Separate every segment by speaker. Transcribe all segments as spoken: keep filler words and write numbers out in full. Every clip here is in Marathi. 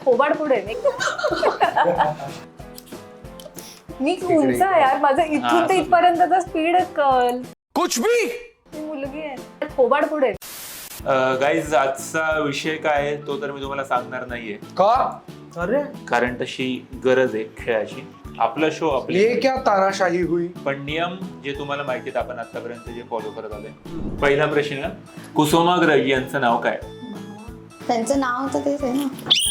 Speaker 1: थोबाड पुढे मी उंच आहे यार, माझं इथून ते इथपर्यंतचा स्पीड कल कुछ भी मुलगी आहे. थोबाड पुढे.
Speaker 2: गाईज आजचा विषय काय आहे तो तर मी तुम्हाला सांगणार नाहीये.
Speaker 3: का? अरे
Speaker 2: कारण तशी गरज आहे खेळाची. आपला शो आपली
Speaker 3: ये क्या तानाशाही हुई.
Speaker 2: पण नियम जे तुम्हाला माहिती आहेत आपण आतापर्यंत जे फॉलो करत आलोय. पहिला प्रश्न, कुसुमाग्रज यांचं नाव काय?
Speaker 4: त्यांचं नाव तर तेच आहे ना.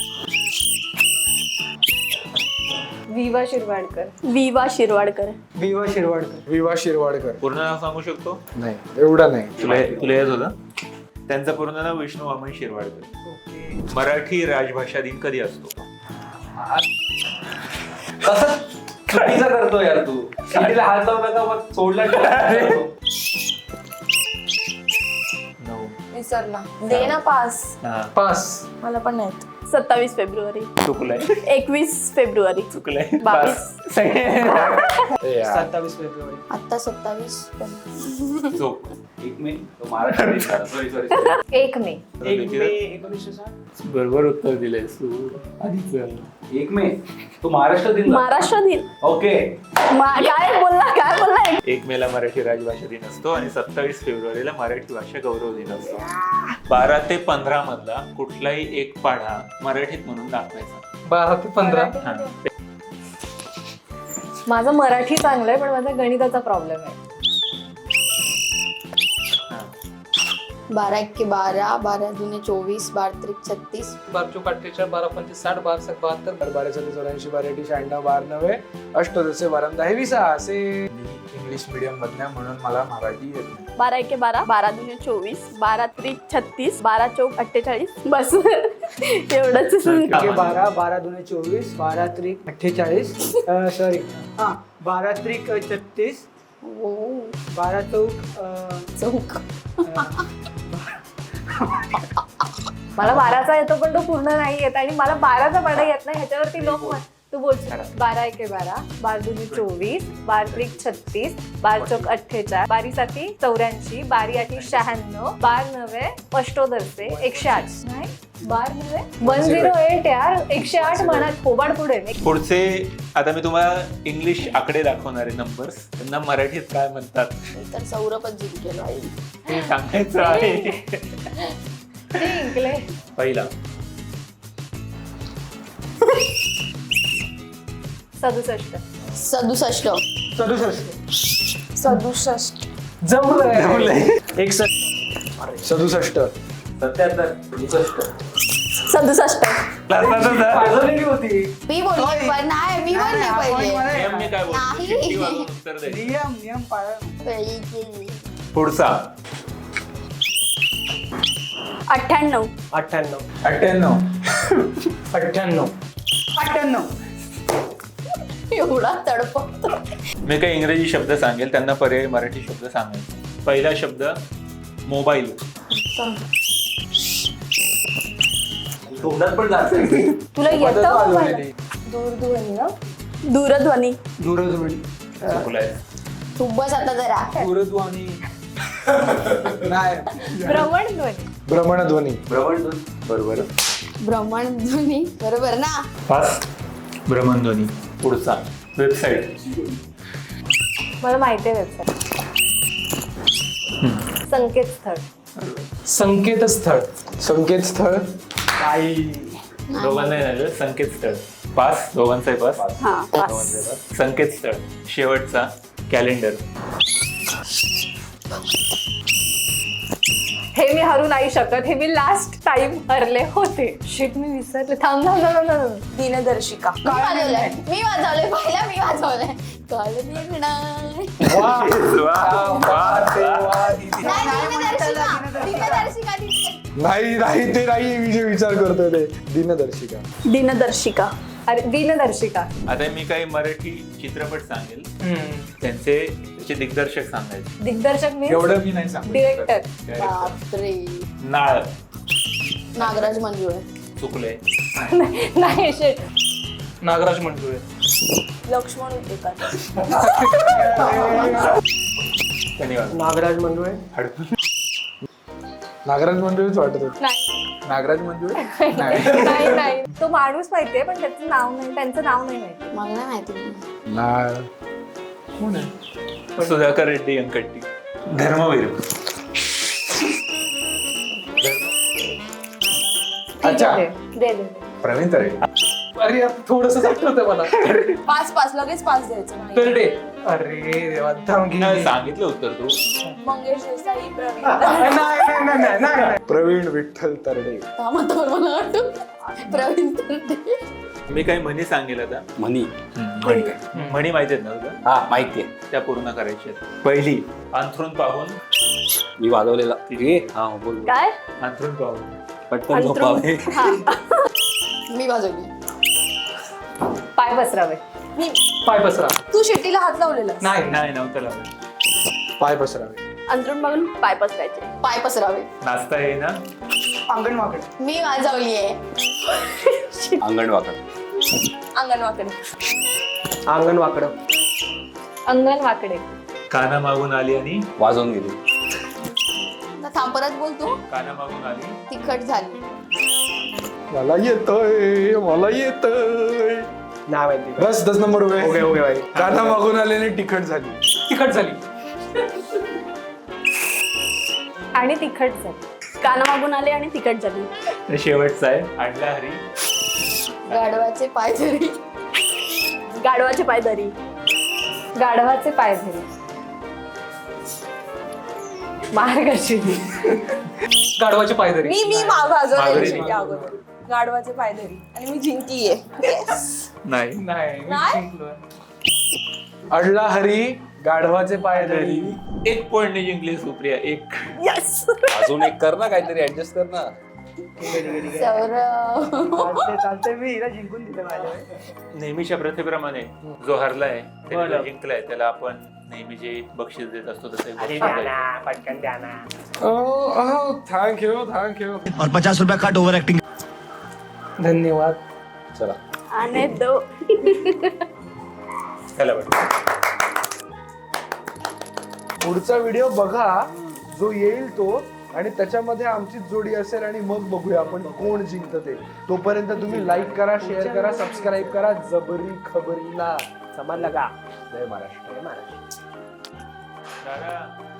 Speaker 1: विवा शिरवाडकर.
Speaker 4: विवा शिरवाडकर.
Speaker 3: विवा शिरवाडकर. विवा शिरवाडकर.
Speaker 2: पूर्ण नाव सांगू शकतो?
Speaker 3: नाही एवढं नाही.
Speaker 2: तुला तुला येत होतं? त्यांचं पूर्ण नाव विष्णू वामन शिरवाडकर. मराठी राजभाषा दिन कधी असतो?
Speaker 5: कसं चुकीचं करतो यार तू. शिटीला हात लावू नका मग सोडला.
Speaker 2: नऊ.
Speaker 4: विसरला. दे ना पास.
Speaker 3: पास.
Speaker 4: मला पण नाही. सत्तावीस फेब्रुवारी.
Speaker 2: चुकलंय.
Speaker 4: एकवीस फेब्रुवारी.
Speaker 2: चुकलंय.
Speaker 4: बावीस.
Speaker 3: सत्तावीस फेब्रुवारी.
Speaker 4: आता सत्तावीस.
Speaker 2: चूक.
Speaker 5: एक मे तो महाराष्ट्र. सॉरी सॉरी
Speaker 1: एक मे.
Speaker 5: एक मे एकोणीसशे साठ.
Speaker 2: बरोबर उत्तर दिलंय तू आधीच.
Speaker 5: एक मे तो महाराष्ट्र दिन.
Speaker 4: महाराष्ट्र दिन.
Speaker 5: ओके.
Speaker 4: काय बोलला काय बोलला.
Speaker 2: एक मेला मराठी राजभाषा दिन असतो आणि सत्तावीस फेब्रुवारीला मराठी भाषा गौरव दिन असतो. बारा ते पंधरा मधला कुठलाही एक पाढा मराठीत म्हणून दाखवायचा.
Speaker 3: बारा ते पंधरा.
Speaker 2: हा.
Speaker 1: माझं मराठी चांगलंय पण माझा गणिताचा प्रॉब्लेम आहे.
Speaker 4: बारा एक्के बारा, बारा दुने चोवीस, बारा त्रिक छत्तीस,
Speaker 3: बारा चौक अठ्ठेचाळीस, बारा पंचवीस साठ, बारा सक बहात्तर, बारा सत्ते चौऱ्याऐंशी, बारा एटी शहाण्णव, बारा नव्वे अष्टोदशे, बारा दहा वीस. असे इंग्लिश मीडियम मधल्या म्हणून मला मराठी येत नाही.
Speaker 4: बारा एक्के बारा, बारा दुने चोवीस, बारा त्रिक छत्तीस, बारा चौक अठ्ठेचाळीस. बस एवढंच.
Speaker 6: बारा, बारा दुने चोवीस, बारा त्रिक अठ्ठेचाळीस, सॉरी हा बारा त्रिक छत्तीस, बारा चौक
Speaker 4: चौक.
Speaker 1: मला बाराचा येतो पण तो पूर्ण नाही येत आणि मला बाराचा पाढा येत नाही. ह्याच्यावरती लोक म्हण- तू बोलशील बारा एके बारा, बारा दुनी चोवीस, बारा त्रिक छत्तीस, बारा चौक अठ्ठेचाळीस, बारी साती चौऱ्याऐंशी, बारी आठी शहाण्णव, बार नव्हे अष्टोदरचे एकशे आठ. नाही बार नव्हे वन झिरो एट यार. एकशे आठ म्हणा. थोबाड पुढे.
Speaker 2: पुढचे आता मी तुम्हाला इंग्लिश आकडे दाखवणार आहे, नंबर्स. त्यांना मराठीत काय म्हणतात
Speaker 4: तर सौरभच जिंकेल.
Speaker 2: ते सांगायचं आहे.
Speaker 1: ते जिंकले.
Speaker 2: पहिला
Speaker 1: सदुसष्ट.
Speaker 4: सदुसष्ट.
Speaker 6: सदुसष्ट.
Speaker 4: सदुसष्ट.
Speaker 6: जमलंय. एकसष्ट.
Speaker 3: सदुसष्ट.
Speaker 5: सत्याहत्तर. सदुसष्ट.
Speaker 4: सदुसष्ट.
Speaker 5: पाजवलेली होती.
Speaker 4: मी बोलले पण नाही. मी बोलले पहिले.
Speaker 2: नियम मी काय बोलतो?
Speaker 4: नाही.
Speaker 2: शिट्टी वाजवून उत्तर द्यायचं.
Speaker 6: नियम नियम पाळा.
Speaker 4: पहिली केली.
Speaker 2: पुढचा
Speaker 4: अठ्ठ्याण्णव.
Speaker 6: अठ्ठ्याण्णव.
Speaker 3: अठ्ठ्याण्णव.
Speaker 6: अठ्ठ्याण्णव. अठ्ठ्याण्णव.
Speaker 4: एवढा तडपतो.
Speaker 2: मी काही इंग्रजी शब्द सांगेल, त्यांना पर्यायी मराठी शब्द सांगायचे. पहिला शब्द मोबाईल.
Speaker 5: तोंडात पण जात.
Speaker 1: तुला येतं
Speaker 4: दूरध्वनी ना. दूरध्वनी.
Speaker 6: दूरध्वनी.
Speaker 2: चुकलाय.
Speaker 4: तू बस आता जरा.
Speaker 6: दूरध्वनी. नाही.
Speaker 1: भ्रमणध्वनी.
Speaker 3: भ्रमणध्वनी.
Speaker 5: भ्रमण.
Speaker 2: बरोबर.
Speaker 4: भ्रमणध्वनी. बरोबर ना.
Speaker 2: पाच. भ्रमणध्वनी. पुढचा वेबसाईट.
Speaker 1: मला माहिती आहे वेबसाईट. संकेतस्थळ.
Speaker 6: संकेतस्थळ.
Speaker 3: संकेतस्थळ.
Speaker 6: आई.
Speaker 2: दोघांना नाही संकेतस्थळ. पाच. दोघांचाही पाच.
Speaker 4: हा
Speaker 2: दोघांचाही पाच. संकेतस्थळ. शेवटचा कॅलेंडर.
Speaker 1: हे मी हरू नाही शकत. हे मी लास्ट टाइम हरले होते. शिट मी विसरले. थांब थांब थांब थांब.
Speaker 4: दिनदर्शिका. मी वाजवलंय. मी वाजवलंय. पहिला मी वाजवलंय. काल निर्णय.
Speaker 2: वा, वा, वा.
Speaker 4: नाही, दिनदर्शिका. दिनदर्शिका.
Speaker 3: नाही नाही ते नाही. मी जे विचार करतोय ते दिनदर्शिका.
Speaker 4: दिनदर्शिका.
Speaker 1: अरे दिनदर्शिका.
Speaker 2: आता मी काही मराठी चित्रपट सांगेल, त्यांचे त्याचे दिग्दर्शक सांगायचे.
Speaker 1: दिग्दर्शक मी
Speaker 3: एवढं मी नाही सांगू.
Speaker 1: डिरेक्टर.
Speaker 4: बापरे.
Speaker 2: नाळ.
Speaker 4: नागराज मंजुळे.
Speaker 2: चुकले.
Speaker 1: नाही शिट.
Speaker 6: नागराज मंडुळे.
Speaker 4: लक्ष्मण उटेकर.
Speaker 2: धन्यवाद.
Speaker 6: नागराज मंडुळे.
Speaker 2: हडकून.
Speaker 3: नागराज मंजुळीच वाटत होत.
Speaker 4: नाही
Speaker 3: नागराज मंजुळी नाही.
Speaker 1: नाही नाही तो माणूस माहितीये पण त्याचं नाव नाही, त्यांचं नाव नाही माहिती.
Speaker 4: मला नाही माहिती.
Speaker 3: ना कोण आहे?
Speaker 2: सुधाकर रेड्डी अंकट्टी. धर्मवीर.
Speaker 1: ठीक
Speaker 3: अच्छा.
Speaker 1: आहे, दे दे.
Speaker 3: प्रवीण तरे. अरे थोडस आठवतंय मला.
Speaker 4: पाच पाच लगेच पाच द्यायचं नाही.
Speaker 3: तरडे. अरे देवा थांब घे.
Speaker 2: नाही, सांगितलं उत्तर तू.
Speaker 4: मंगेश देसाई प्रवीण
Speaker 3: नाही, नाही, नाही, नाही, नाही. प्रवीण विठ्ठल तरडे.
Speaker 4: थांबतो मला वाटतं प्रवीण तरडे.
Speaker 2: मी काही म्हणी सांगेल आता.
Speaker 5: म्हणी.
Speaker 2: म्हणी म्हणी माहिती आहेत ना तुला?
Speaker 5: हा माहितीये.
Speaker 2: त्या पूर्ण करायच्या आहेत. पहिली, अंथरून पाहून.
Speaker 5: मी वाजवलेला. ए, हा बोल बोल.
Speaker 4: काय
Speaker 2: अंथरून पाहून.
Speaker 5: पटकन झोपावे.
Speaker 4: हा. मी बाजवली.
Speaker 1: पाय पसरावे.
Speaker 4: मी
Speaker 3: पाय पसरा.
Speaker 4: तू शेट्टीला हात लावलेला.
Speaker 3: नाही
Speaker 2: नाही नव्हतं लावलं.
Speaker 3: पाय पसरावे.
Speaker 4: अंतरून बघून पाय पसरायचे. पाय पसरावे.
Speaker 2: नाचता येईना.
Speaker 6: अंगण वाकड.
Speaker 4: मी वाजवली आहे.
Speaker 5: अंगण वाकड.
Speaker 4: अंगण वाकडे.
Speaker 6: अंगण वाकड.
Speaker 1: अंगण वाकडे.
Speaker 2: काना मागून आली आणि
Speaker 5: वाजवून गेली.
Speaker 4: आता थांब परत बोल तू.
Speaker 2: काना मागून आली.
Speaker 4: तिखट झाली.
Speaker 3: मला येतोय मला येतोय.
Speaker 6: नाव माहिती.
Speaker 3: बस दस नंबर उभे.
Speaker 6: ओके ओके भाई.
Speaker 3: काना मागून आल्याने तिखट झाली.
Speaker 6: तिखट झाली.
Speaker 1: आणि तिखट झाली.
Speaker 4: काना मागून आले आणि तिखट झाली.
Speaker 2: आणि शेवटचा आहे, आणला हरी.
Speaker 4: गाढवाचे पाय धरी. गाढवाचे पाय धरी.
Speaker 1: गाढवाचे पाय धरी. मार्गशीर्ष.
Speaker 3: गाढवाची पायदरी.
Speaker 4: मी मी वाजवलेली
Speaker 2: माघारी.
Speaker 4: शेट्टी अगोदर. गाढवाचे पाय धरी आणि मी जिंकलीये.
Speaker 2: नाही.
Speaker 3: नाही मी
Speaker 4: नाही?
Speaker 3: जिंकलोय. अडला हरी गाढवाचे पाय धरी.
Speaker 2: एक पॉइंटने जिंकली सुप्रिया. एक.
Speaker 4: यस.
Speaker 5: अजून एक कर ना काहीतरी ऍडजस्ट कर ना.
Speaker 4: सौरभ.
Speaker 6: चालते चालते मी हिला जिंकून दिलं माझ्या.
Speaker 2: नेहमीच्या प्रथेप्रमाणे जो हरलाय त्याने
Speaker 6: बरं.
Speaker 2: जो जिंकलाय त्याला आपण नेहमी जे बक्षीस देत असतो तसं एक
Speaker 6: अरे
Speaker 2: बक्षीस
Speaker 6: द्या
Speaker 2: द्यायचं.
Speaker 6: ना, पटकन द्या ना.
Speaker 3: Thank you thank you.
Speaker 7: और पचास रुपया काट ओवर एक्टिंग.
Speaker 3: धन्यवाद.
Speaker 5: चला.
Speaker 4: आणि दो.
Speaker 2: त्याला वाटतं.
Speaker 3: पुढचा व्हिडिओ बघा जो येईल तो, आणि त्याच्यामध्ये आमची जोडी असेल आणि मग बघूया आपण कोण जिंकतं ते. तोपर्यंत तुम्ही लाईक करा, शेअर करा, सबस्क्राईब करा जबरी खबरीला.
Speaker 6: समजलं का?
Speaker 3: जय महाराष्ट्र.
Speaker 6: जय महाराष्ट्र.
Speaker 2: दादा